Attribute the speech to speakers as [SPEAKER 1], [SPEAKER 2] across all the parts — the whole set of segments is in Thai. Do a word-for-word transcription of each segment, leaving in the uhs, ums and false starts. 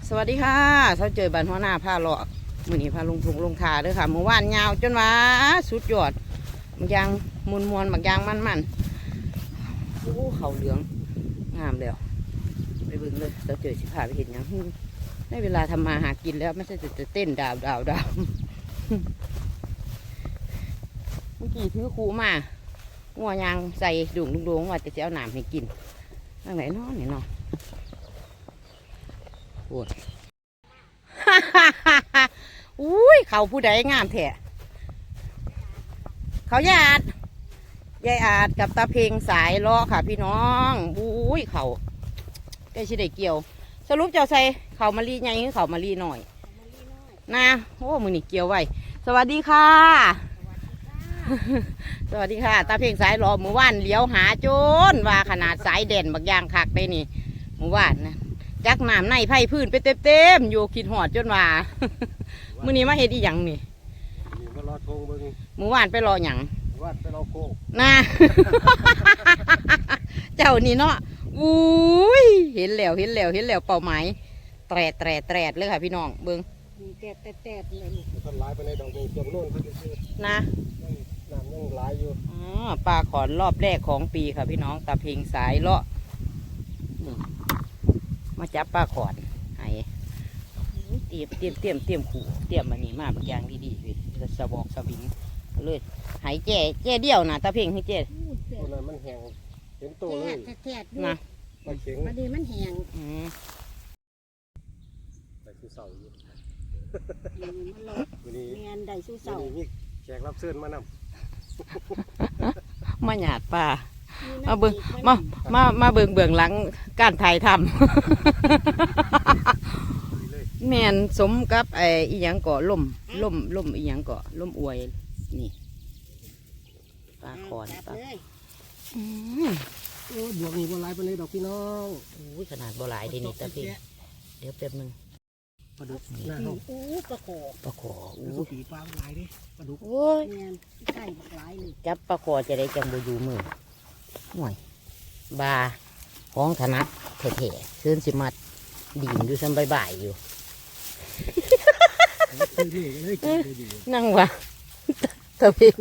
[SPEAKER 1] สวัสดีค่ะเช้าเจอบ้านหัวหน้าผ้าเลาะมือนี้พาลงทุงลงทาด้วยค่ะเมื่อวานยาวจนว่าสุดยอดบางยางมวนมวนบางยางมันมันโอ้เขาเหลืองงามแล้วไปเบิ่งเลยเช้าเจอสิพาไปเห็นยังได้เวลาทำมาหากินแล้วไม่ใช่จะเต้นดาวดาวดาวเมื่อกี้ถือคูมางัวยางใส่ดุ่งดุ่งว่าจะเอาหนามให้กินทางไหนเนาะเนี่ยเนาะปวดอุ้ยเขาผู้ใดงามแท้เขายาดยายอาดกับตาเพลงสายล้อค่ะพี่น้องอุ้ยเขาใกล้ชิได้เกี่ยวสรุปเจ้าใส่เขามารีไงหรือเขามารีหน่อยนะโอ้มือนี่เกี่ยวไว้สวัสดีค่ะสวัสดีค่ะตาเพลงสายล้อหมู่บ้านเลี้ยวหาโจนว่าขนาดสายเด่นบักยางคักได้นี่หมู่บ้านนะจักน้ำในไผ่พื้นไปเต็มๆอยู่ขีดหอดจนว่ามื้อนี้มาเฮ็ดอีหยังนี่หมู่บ้านไปรอหยัง
[SPEAKER 2] ว่านไปรอโค
[SPEAKER 1] นะ เจ้านี่เนาะอุ้ยเห็นแล้วเห็นแล้วเห็นแล้วเป้าหมายแตรแตรแตรเลยค่ะพี่น้องเบิ้ง
[SPEAKER 3] แตรแตรแตรเลย
[SPEAKER 2] ต้นหลายไปในดอกเกี่ยวโน่นเขาจะซื้อ
[SPEAKER 1] นะ
[SPEAKER 2] น้ำยังหลายอยู่
[SPEAKER 1] อ๋อปลาขอนรอบแรกของปีค่ะพี่น้องตาเพลงสายเลาะมาจับปลาขอนไห้เตรียมเตรียมเตรียมเตรียมขู่เตรียมมันนี่มาบางอย่างดีๆพี่สะบอกสะบิงเลยหายแจ่แจ่เดียวนะตาเพ่งให้แจ่
[SPEAKER 2] ตัวนั้นมันแห้งเห็นตัวเลย
[SPEAKER 3] นะ
[SPEAKER 2] ปลาเข็ง
[SPEAKER 3] พอดีมันแห้ง
[SPEAKER 2] ได้สู้เสาอยู่
[SPEAKER 3] มันหลอกเมียนได้สู้เสา
[SPEAKER 2] นี่แขกรับเชิญมาน
[SPEAKER 1] ำมาหยาดป่ามาเบิ่งมามามาเบิ่งเบื้องหลังการถ่ายทำแมนสมกับไอ้อีหยังเกาะล่มล่มล่มอีหยังเกาะล่มอวยนี่ปลาคอนปลา
[SPEAKER 2] โอ้บวกนี่บัวลายไปเลยดอกพี่น้อง
[SPEAKER 1] โอ้ยขนาดบัวลายดีนี่ตาพี่เดี๋ยวแป๊บนึง
[SPEAKER 2] ปลาดุกหน้าห้อง
[SPEAKER 3] โอ้ปลาโข
[SPEAKER 1] ปลาโข
[SPEAKER 2] อู้ปีปลาลายดิปลาดุก
[SPEAKER 1] โอ้ย
[SPEAKER 3] ใกล้หลายเลย
[SPEAKER 1] จับปลาโขจะได้จังบูยูมือหน่อยบาของถนัดเท่ๆซื้อสิมัดดิ่งอยู่ซ้ำบ่ายๆอยู่นั่งวะตะเพียง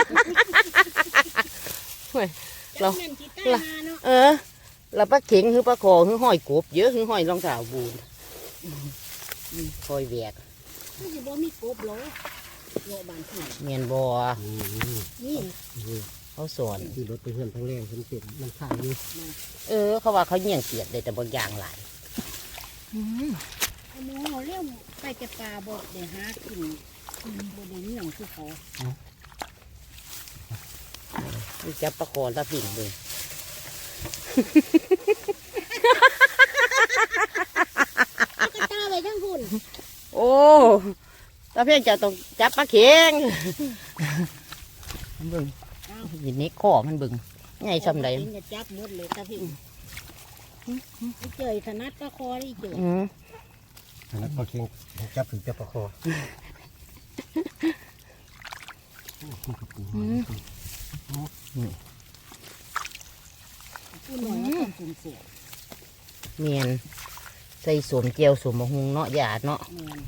[SPEAKER 1] เราเออเราปลาเข็งคือปลาคอคือห้อยกบเยอะคือห้อยรองเท้าบูนคอยแวก
[SPEAKER 3] นี่บ่มีกบหรอโลบานที่
[SPEAKER 1] เมียนบัว
[SPEAKER 3] นี่
[SPEAKER 1] เขาสอน
[SPEAKER 2] ที่รถไปเพื่อนทั้งแรงทั้งเต็มมันขายอยู่
[SPEAKER 1] เออเขาว่าเขาเงี่ยงเกียดเลยแต่บางอย่างหลาย
[SPEAKER 3] หมูเขาเลี้ยวไปแกปลาบอกเดี๋ยวหากินบ่ได้เงี้ยงคือเขา
[SPEAKER 1] จับปลาคอตะผิงเลย
[SPEAKER 3] ก็ตาไปทั้งคุณ
[SPEAKER 1] โอ้ตาเพียงจะต้องจับปลาเข็งมันบึงยินนี้ข้อมันบึงไงซ้ำใด
[SPEAKER 3] จะจับหมดเลยตาเพียงเจยถนัดปลาคอได้เจย
[SPEAKER 2] ถนัดปลาเข็งจับถึงจับปลาคอ
[SPEAKER 1] เมียนใส่สวมเจียวสวมมะฮุงเนาะหยาดเนาะ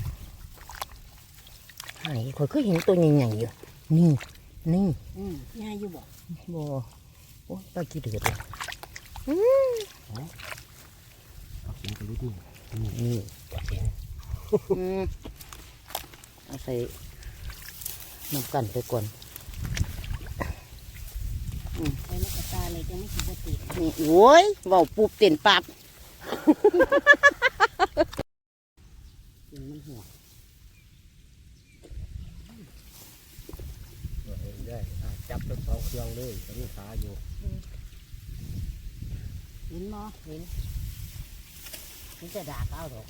[SPEAKER 1] ไอ้คอยเคยเห็นตัวใหญ่ๆอยู่นี่นี่
[SPEAKER 3] ง่ายอยู่บ่
[SPEAKER 1] บ่โอ้ปลากี่เดือดเลย
[SPEAKER 2] อืมเอาเข็งไปนิดนึง
[SPEAKER 1] นี่ปลาเข็งเอาใส่น้ำกันไปก่อน
[SPEAKER 3] ใส่กระตาเลยจะไม่สิบติด
[SPEAKER 1] นี่โอ้ยเบาปูบเต็นปับ
[SPEAKER 2] มันหัวได้จับทั้งสองเครื่องเลยตอนนี้ขาอยู่
[SPEAKER 3] เห็นมั้ย
[SPEAKER 1] เห็นมันจะด่าเก้าหรอก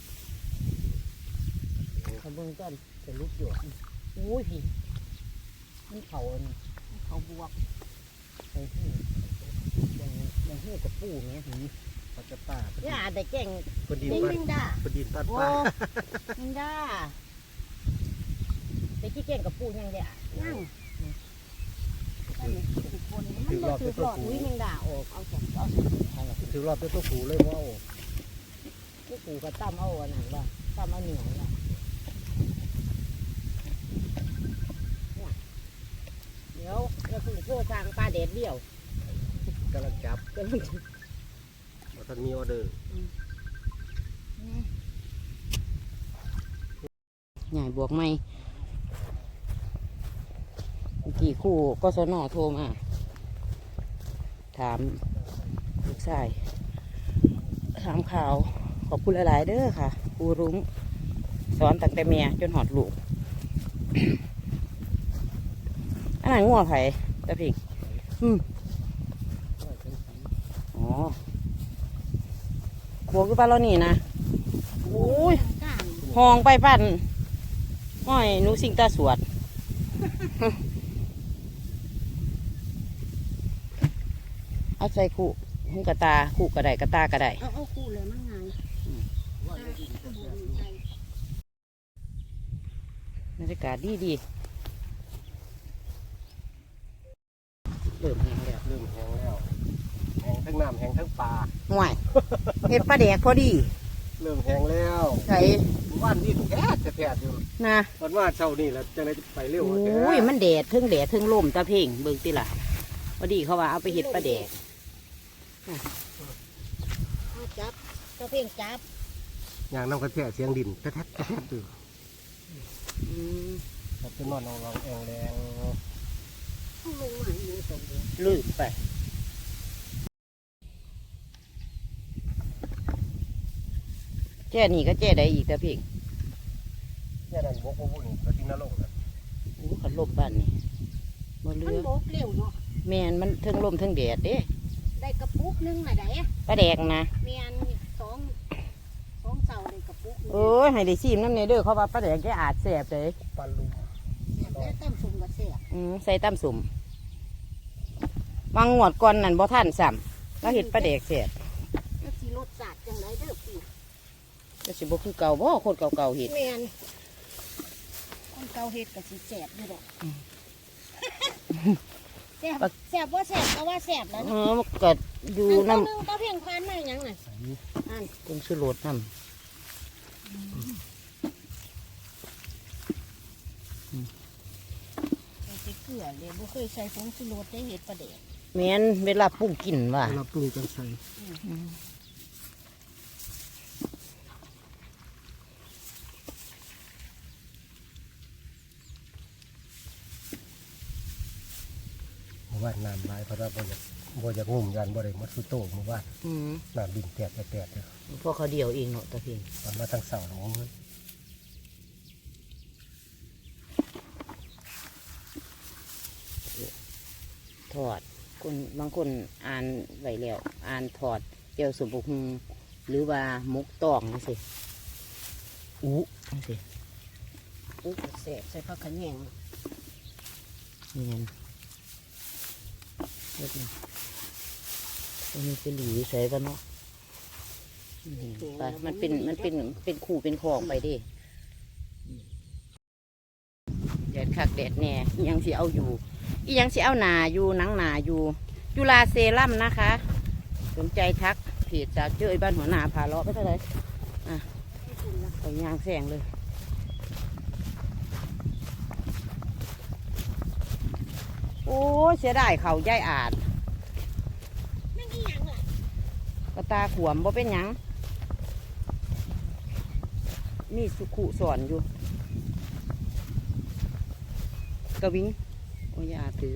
[SPEAKER 1] เขาเบิ่งต้นจะลุกอยู่อุ้ยพี่มันเขา
[SPEAKER 3] เขาบวก
[SPEAKER 1] ไอ้ที่ยังยังหูกับปูเนี้ยหื
[SPEAKER 2] ปลาจะป่า
[SPEAKER 1] ย่าแต่แก่ง
[SPEAKER 2] ปลาดินปลาปลาดินปลา
[SPEAKER 1] ป่ามิงด้าแต่ที่แก่งกับปูยังเดียยังถือรอบเป็นตัวผูมิงด้าออกเอาสองเอาสอง
[SPEAKER 2] ถือรอบเป็นตัวผูเลยว่า
[SPEAKER 1] โ
[SPEAKER 3] ผู้ปู่ก็ตั้มเอาอันนั้นว่าตั้มเอาเหนียวละเดี๋ยวเราคือโทษทางปลาเด็ดเดี่ยว
[SPEAKER 2] กำลังจับ
[SPEAKER 3] ก็
[SPEAKER 2] มาทันมีออเดอร์
[SPEAKER 1] ใหญ่บวกไม่เมื่อกี่คู่ก็สนอโทรมาถามลูกชายถามข่าวขอบคุณหลายๆเด้อค่ะครูรุ้งสอนตั้งแต่เมียจนหอดลูก อันนั้นงัวไผ่ตะพิงอืมอ๋อขวคือปลาเรานี่นะโอ้ยหองไปปั่นห้อยหนูสิงตาสวด เอาใส่คู่หูกระตาคู่กระไดกระตากระได
[SPEAKER 3] เอาเอาคู่เลยมันไง
[SPEAKER 1] บรรยากาศดีดีเริ่มแห้งแล้ว
[SPEAKER 2] เริ่มแห้งแล้วแห้งทั้งน้ำแห้งทั้งปลา
[SPEAKER 1] ห่วยเห็ดปลาแดกพอดี
[SPEAKER 2] เริ่มแห้งแล้ว
[SPEAKER 1] ใส่
[SPEAKER 2] ว่านนี่แท้จะแท้อยู่
[SPEAKER 1] นะ
[SPEAKER 2] ตอนว่าเช้านี่แหละจะได้ไปเร็ว
[SPEAKER 1] โอ
[SPEAKER 2] แท้
[SPEAKER 1] ้ยมันแดดทึ่งแดดทึ่งลมตาเพ่งเบิ่งติล่ะพอดีเขาว่าเอาไปเห็ดปลาแดก
[SPEAKER 3] เอาจับเจ้าเพ่งจับ
[SPEAKER 2] อย่างน้ำกระแทกเสียงดินแท้แท้แท้อยู่
[SPEAKER 1] อืม
[SPEAKER 2] เราเป็นนอนเอาเราแองแรง
[SPEAKER 3] เอาลงมาให้มันสมบูรณ์
[SPEAKER 1] ลืมไปแจ้นี่ก็แจ้ได้อีกตาเพ่ง
[SPEAKER 2] แค่นั้นบกบุญกระทิงนรกเลย
[SPEAKER 1] โอ้ขันลมบ้านนี่บ่เรื
[SPEAKER 3] มัน
[SPEAKER 1] อ
[SPEAKER 3] โบกเร็วเนาะ
[SPEAKER 1] แม่นมันทึ่งลมทึ่งแดดเด้
[SPEAKER 3] ได้กระปุกนึงน่ะได้
[SPEAKER 1] ปลาแดกนะ
[SPEAKER 3] เมียนสองสองเสาได้กระปุกนึง
[SPEAKER 1] เอ้ยให้ได้ชิมน้ำในเด้อเขาว่าปลาแดกแกอาจแสบเลย
[SPEAKER 2] ปลาลุม
[SPEAKER 3] เสียบแล้วตั้มสุ่มกับเสียบ
[SPEAKER 1] อืมใส่ตำสุ่มวางงวดก่อนนั่นบ่ท่านซ้ำแล้วเห็ดปลาแดกแสบ
[SPEAKER 3] แล้วสีรสจัดจังไรเด้อพี่
[SPEAKER 1] ก็สิบ่คือเก่าบ่คนเก่าๆเห็ด
[SPEAKER 3] เมียนคนเกาเห็ดกับสีแสบอยู่ดอกแสบแสบว่าแสบก็ว่าแสบแล้ว
[SPEAKER 1] เออมันก็อยู่
[SPEAKER 3] อัน
[SPEAKER 1] น้
[SPEAKER 3] ตัวหนึงก็เพียงพันมาอย่างน่ะอัน
[SPEAKER 1] ำตรงสุรสน้
[SPEAKER 3] ใส่เกลือเลยบ่เคยใส่ผงชูรสได้เห็ดปลาเด็ก
[SPEAKER 1] ำแม่นเวลาปรุงกินว่า
[SPEAKER 2] เราปรุงจังใส่ ว่าน้ำลายเพราะว่าบ่อยากบ่อยากงุ่มยันบ่ได้มัดสุโต้เมื่อวาน
[SPEAKER 1] อืม
[SPEAKER 2] น้ำดินแตกแตกแตกเลย
[SPEAKER 1] พวกเขาเดียวเองเนาะตะเพียง
[SPEAKER 2] ตอนมาทั้งเสาร์ของมัน
[SPEAKER 1] ทอดคนบางคนอ่านไว้แล้วอ่านถอดเจียวสมบุกหรือว่ามุกตองนี่สิอู้นี่สิ
[SPEAKER 3] อุ๊ยแสบใส่ผักขะแยง
[SPEAKER 1] เนียนเล็กน้อยตัวนี้เป็นหลีใส่ปะเนาะนี่ไปมันเป็นมันเป็นเป็นคู่เป็นคลองไปดิแดดคักแดดแน่อิหยังสิเอาอยู่อีหยังสิเอาหนาอยู่หนังหนาอยู่จุฬาเซรั่มนะคะ สนใจทักเพจสาวเจ้ยบ้านหัวหน้าพาเลาะไปเท่าไหร่อ่ะไปยางแสงเลยโอ้ยเสียดายเขาย่ายอาด
[SPEAKER 3] ไม่มีหยังล่ะ
[SPEAKER 1] กระตาขวมบ่เป็นหยังมีสุขุสอนอยู่กระวิงโอ้ยอาถือ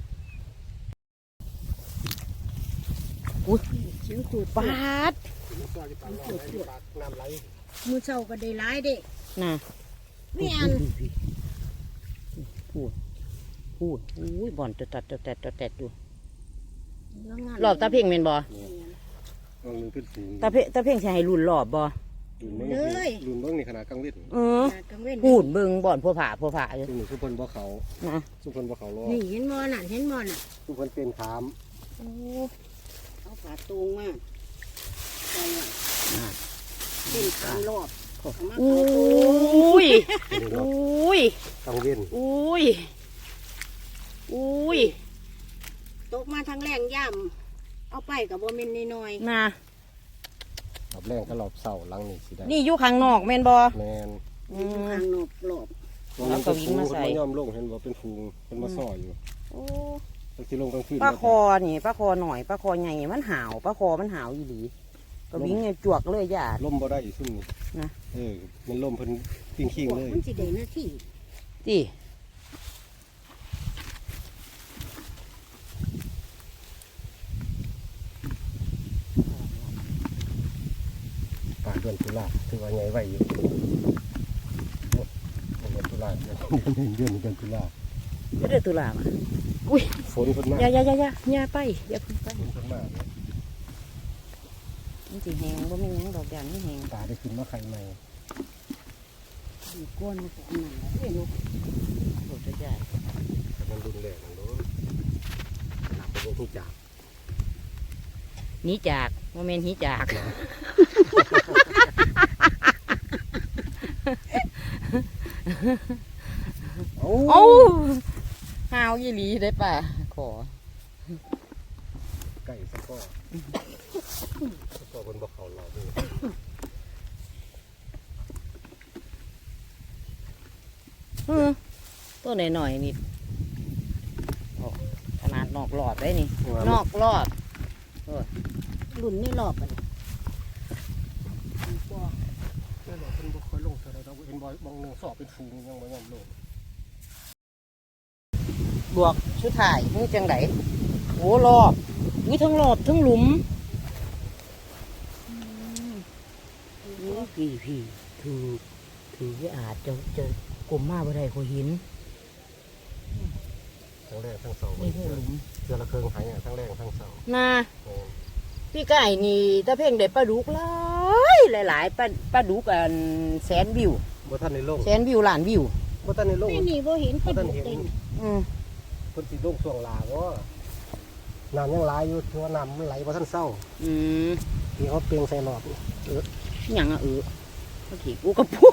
[SPEAKER 1] อุ้ย
[SPEAKER 3] เสียงตูด
[SPEAKER 1] ปาด
[SPEAKER 2] น้ำไหล
[SPEAKER 3] มือเช้าก็ได้หลายเด้
[SPEAKER 1] น่ะ
[SPEAKER 3] มีอัน
[SPEAKER 1] พูดพูดอุ้ยบ่อนจะตัดจะแตดจะแตดอยู่
[SPEAKER 3] แล้วงาน
[SPEAKER 1] รอบตาเพ่งเมนบ่
[SPEAKER 2] ตรงนึงขึ้นสูง
[SPEAKER 1] ตาเพ่งตาเพ่งใช้ให้รุ่นรอบบ่
[SPEAKER 2] ลุนเบิ้งลุนเบิ้งในขนาดกลางเวท
[SPEAKER 1] เออ
[SPEAKER 3] กลางเว้น
[SPEAKER 1] พูดเบิ่งบ่อนพัวผาพัวผาอยู่
[SPEAKER 2] ซุ่มสุพรรณบ่เขา
[SPEAKER 1] นะ
[SPEAKER 2] สุพรรณบ่เขาล้อ
[SPEAKER 3] นี่เห็นมอน่ะเห็นมอน่ะ
[SPEAKER 2] สุพรรณเป็นขาม
[SPEAKER 3] โอ้เอาฝาตูงมาใส่ไว้
[SPEAKER 1] อ่ะ
[SPEAKER 3] เป็นสามรอบ
[SPEAKER 1] อุ้ยอุ้ย
[SPEAKER 2] กลางเว้น
[SPEAKER 1] อุ้ยอุ้ย
[SPEAKER 3] ตกมาทางแรงย่ำเอาไปกับโบเมนน้อย
[SPEAKER 1] นะ
[SPEAKER 2] ปอบแรงก็รอบเสาหลังนี่สิได้
[SPEAKER 1] นี่อยู่ข้างนอกแม่นบ่
[SPEAKER 2] แมน
[SPEAKER 1] อื
[SPEAKER 3] อยู่
[SPEAKER 1] ม
[SPEAKER 3] ข้างนอกหลบ
[SPEAKER 2] ตรงนั้นเป็นฟูงมันย่อมลงเห็นว่าเป็นฟูงเป็นมาซ่ออยู่
[SPEAKER 1] โอ้
[SPEAKER 2] ตั้งที่ลงกลางคืน
[SPEAKER 1] ปลาคอนี่ปลาคอหน่อยปลาคอใหญ่มันหาวปลาคอมันหาวอีหลีก็วิ่งไงจวกเลยญาติ
[SPEAKER 2] ล่มบ่ได้อีกซุ่มนี่
[SPEAKER 1] นะ
[SPEAKER 2] เออมันล่มเพิ่นปิ้งขิงเลย
[SPEAKER 3] มันสิได้หน้าที่
[SPEAKER 1] ติ
[SPEAKER 2] ป่าเดือนตุลาถือว่าใหญ่ไว้อยู่โอ้เดือนตุลาเดือนเดือนเดือนตุลา
[SPEAKER 1] ก็เดือดตุลามาอุ้ย
[SPEAKER 2] ฝนเพิ่นมา
[SPEAKER 1] อย่าอย่าอย่าอย่าอย่าไปอย่าเพิ่งไป
[SPEAKER 2] ฝนเพิ่นมาเนี่ย
[SPEAKER 1] มันสิแหงบ่แม่นหยังดอกอย่างนี้แหง
[SPEAKER 2] ป่าได้ขึ้นมาไข่ใหม่
[SPEAKER 3] มีก้นมันก็อันนั้นแหละเอ้ยลูก
[SPEAKER 1] โดดใหญ่
[SPEAKER 2] แต่มันรุนแรงนั่นเด้อหลับไปบ่ฮู้จัก
[SPEAKER 1] หนีจากบ่แม่นหนีจาก
[SPEAKER 2] โอ้
[SPEAKER 1] โอ้หาวอีหลีได้ป่ะขอ
[SPEAKER 2] ไก่สะก้อสะก้อบนบ่เขาหลอกเลย
[SPEAKER 1] เออตัวหน่อยๆนี่โอ้ขนาดนอกหลอดได้นี่ นอกหลอด
[SPEAKER 3] รุ่นไม่หลอบกัน
[SPEAKER 2] บ่ได้หลอกเพิ่นบ่ค่อยลงเท่าใดดอกเห็นบ่บางหนึงสอบเป็นฟูงยังบ่ยอมลง
[SPEAKER 1] บวกชุดถ่ายนี่จังไดโอ้รอบอุ้ยทั้งรอบทั้งหลุมนี่พี่พี่ถือถือว่าอาจจะจะกลมมาบ่ได้ขอหิน
[SPEAKER 2] ทั้งแรกทั้งเสา
[SPEAKER 1] นี่หูหลุม
[SPEAKER 2] เสือละเครื่องหายอ่ะทั้งแรกทั้งเสา
[SPEAKER 1] น่ะ
[SPEAKER 2] แม่น
[SPEAKER 1] พี่ไก่นี่ถ้าเพ่งได้ปลาดุกหลายหลายๆปลาปลาดุกอันแสนวิว
[SPEAKER 2] บ่ทันได้ลง
[SPEAKER 1] แสนวิวล้านวิว
[SPEAKER 2] บ่ทันได้ลง
[SPEAKER 3] ไม่นี่บ่เห็นกระดูกเต็ม
[SPEAKER 1] อืม
[SPEAKER 2] เพิ่นสิลงช่วงลาบ่น้ำยังหลายอยู่ถือว่าน้ำมันไหลบ่ทันเศร้า
[SPEAKER 1] อืม
[SPEAKER 2] ที่เขาเปลียงใส่รอบนี่
[SPEAKER 1] หยังอะเออปลาเข็งอูกระปุก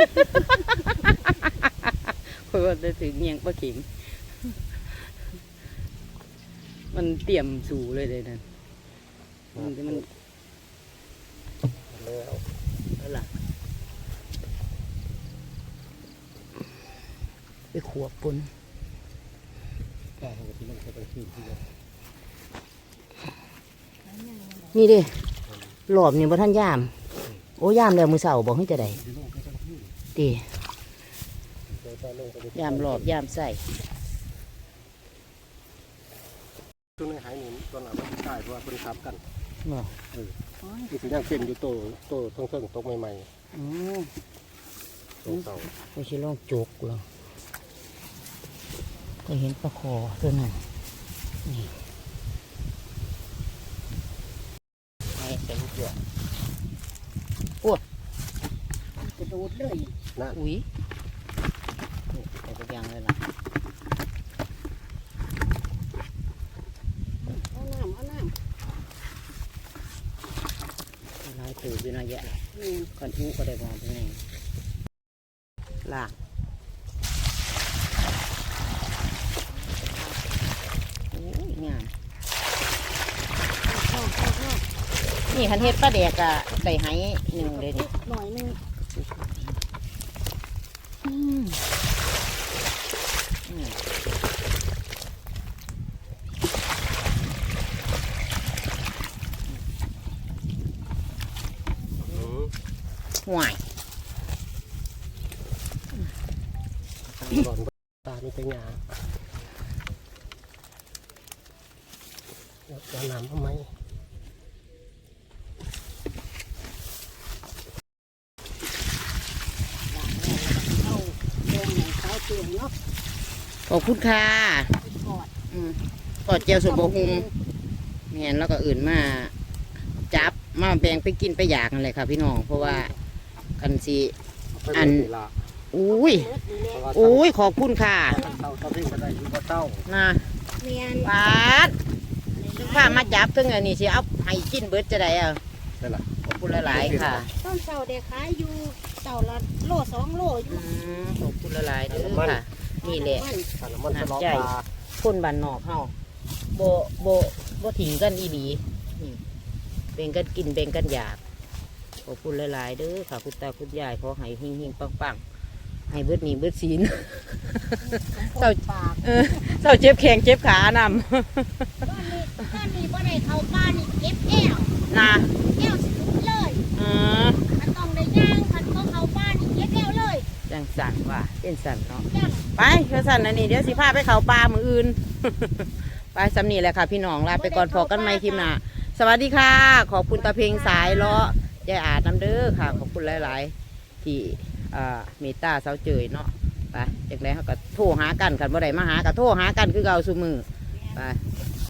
[SPEAKER 1] เพราะว่าจะถึงเนียงปลาเข็งมันเตรียมสูเลยเลยนั่นมันมัน
[SPEAKER 2] แล้ว
[SPEAKER 1] อะไรไปขวบปน
[SPEAKER 2] แต่เขาก็สิลงไปกลางคืนที่ว่า
[SPEAKER 1] นี่ดิหลอบนี่บ่ท่านยาม โอ้ยามแล้วมือเสาบอกให้จะได้
[SPEAKER 2] สิลงไปกลางคืน
[SPEAKER 1] ตี
[SPEAKER 2] เดี๋ยวจะลงไป
[SPEAKER 1] ยามหลอบยามใส่
[SPEAKER 2] ตัวนึงหายหนีตัวหน้ามันตายเพราะว่าเพิ่นทับกัน
[SPEAKER 1] บ่
[SPEAKER 2] นี่สิยังเต็มอยู่โตโตทั้งเทิงตกใหม่
[SPEAKER 1] อ๋อ
[SPEAKER 2] ๆตรงเสา
[SPEAKER 1] ไม่ใช่ลองจกหรอกก็เห็นปลาคอตัวนั้นนี่ไอ้แต่ลูกเดือด
[SPEAKER 3] กระโดดเลย
[SPEAKER 2] นะ
[SPEAKER 1] อุ้ยแต่ก็ยังเลยล่ะ
[SPEAKER 3] เอาน้ำเอาน้
[SPEAKER 1] ลายตื่นอยู่นะแยะ
[SPEAKER 3] ำนี่
[SPEAKER 1] ก่อนอู้ก็ได้บอกตรงนี้ล่างโอ้ยงาม
[SPEAKER 3] เข้าเข้าเข้า
[SPEAKER 1] นี่คันเฮ็ดปลาแดกอะได้ไหหนึ่งเลยนี่
[SPEAKER 3] หน่อยหนึง
[SPEAKER 1] อืมอืม
[SPEAKER 2] อือ
[SPEAKER 1] ห่วย
[SPEAKER 2] ทางหลอนตามีแต่หญ้าแล้วจะน้ำทำไม
[SPEAKER 3] เอาแดงหนังขาวเตียงเนาะ
[SPEAKER 1] ขอบคุณค่ะ
[SPEAKER 3] ไปกอด
[SPEAKER 1] อืมกอดเจียวสมบูรณ์แม่นแล้วก็อื่นมาจับมาแบ่งไปกินไปอยากนั่นแหละค่ะพี่น้องเพราะว่าคันสี อัน
[SPEAKER 2] ละ
[SPEAKER 1] อุ้ย
[SPEAKER 3] เบิดดีแล้ว
[SPEAKER 1] อุ้ยขอบคุณค่ะ
[SPEAKER 2] เต้าเต้าเพ่งก็ได้อยู่บ่เต้า
[SPEAKER 1] นะ
[SPEAKER 3] เมียน
[SPEAKER 1] ปาดถึงข้ามาจับถึงอันนี้สิเอาให้กินเบิดจะได้อ่ะ
[SPEAKER 2] ได้ล่ะ
[SPEAKER 1] ขอบคุณหลายๆค่ะ
[SPEAKER 3] ต้นเสาเด็กขายอยู่เสาละโลสองโลอ
[SPEAKER 1] อื
[SPEAKER 3] ยู่
[SPEAKER 1] มขอบคุณหลายๆเด้อค่ะ นี่แหละ
[SPEAKER 3] มัน
[SPEAKER 2] ถ้าน้ำมันจะล้อ
[SPEAKER 1] ใจ
[SPEAKER 2] ปลา
[SPEAKER 1] คนบ้านนอกเฮาโบโบโบถิงกันอีหลีนี่แบ่งกันกินแบ่งกันอยากขอบคุณหลายๆเด้อค่ะคุณตาคุณยายขอให้เฮงๆปังๆให้เบิดหนี้เบิดศีล เศร้า
[SPEAKER 3] ปาก
[SPEAKER 1] เออเศร้าเจ็บแข้งเจ็บขาน
[SPEAKER 3] บ้านนี้บ้านนี้บ่ได้เข้าบ้านนี่เก็บแอว
[SPEAKER 1] ำนะ
[SPEAKER 3] แอวสิลุกเลย
[SPEAKER 1] เออ
[SPEAKER 3] มันต้องได้ย่างคันบ่เข้าบ้านนี่เก็บแอวเลย
[SPEAKER 1] จังสันว่าเป็นสันเนาะ
[SPEAKER 3] จัง
[SPEAKER 1] ไปเพื่อสันอันนี้เดี๋ยวสิพาไปเขาปลามืออื่น ไปสำนีแหละค่ะพี่น้องลาไปก่อนพอกันไม่คลิปหน้าสวัสดีค่ะ ขอบคุณตาเพลงสายเลาะยายอาจน้ำเด้อค่ะ ขอบคุณหลาย ๆ ที่อ่าเมตตาเสาเจยเนาะไปจากนั้นเขาก็โทรหากันกันบ่ได้มาหาก็โทรหากันคือเก่าซุมือไป